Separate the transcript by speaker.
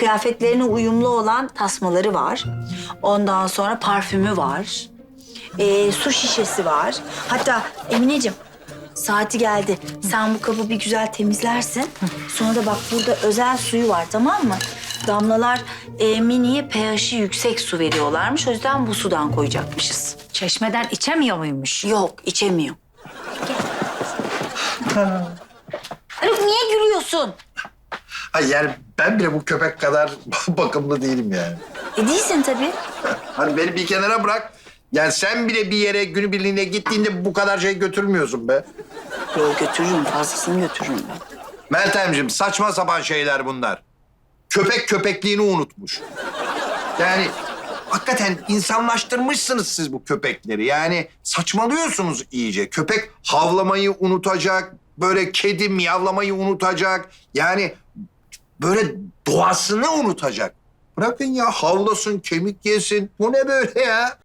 Speaker 1: kıyafetlerine uyumlu olan tasmaları var. Ondan sonra parfümü var. Su şişesi var. Hatta Emineciğim, saati geldi. Sen bu kabı bir güzel temizlersin. Sonra da bak burada özel suyu var, tamam mı? Damlalar Mini'ye pH'i yüksek su veriyorlarmış. O yüzden bu sudan koyacakmışız.
Speaker 2: Çeşmeden içemiyor muymuş?
Speaker 1: Yok, içemiyor. Haluk niye gülüyorsun?
Speaker 3: Hayır yani ben bile bu köpek kadar bakımlı değilim yani.
Speaker 1: Değilsin tabii.
Speaker 3: Hani beni bir kenara bırak. Yani sen bile bir yere günübirliğine gittiğinde bu kadar şey götürmüyorsun be.
Speaker 1: Yok, götürürüm, fazlasını götürürüm ben.
Speaker 3: Meltemciğim saçma sapan şeyler bunlar. Köpek köpekliğini unutmuş. Yani hakikaten insanlaştırmışsınız siz bu köpekleri. Yani saçmalıyorsunuz iyice. Köpek havlamayı unutacak, böyle kedi miyavlamayı unutacak. Yani böyle doğasını unutacak. Bırakın ya havlasın, kemik yesin. Bu ne böyle ya?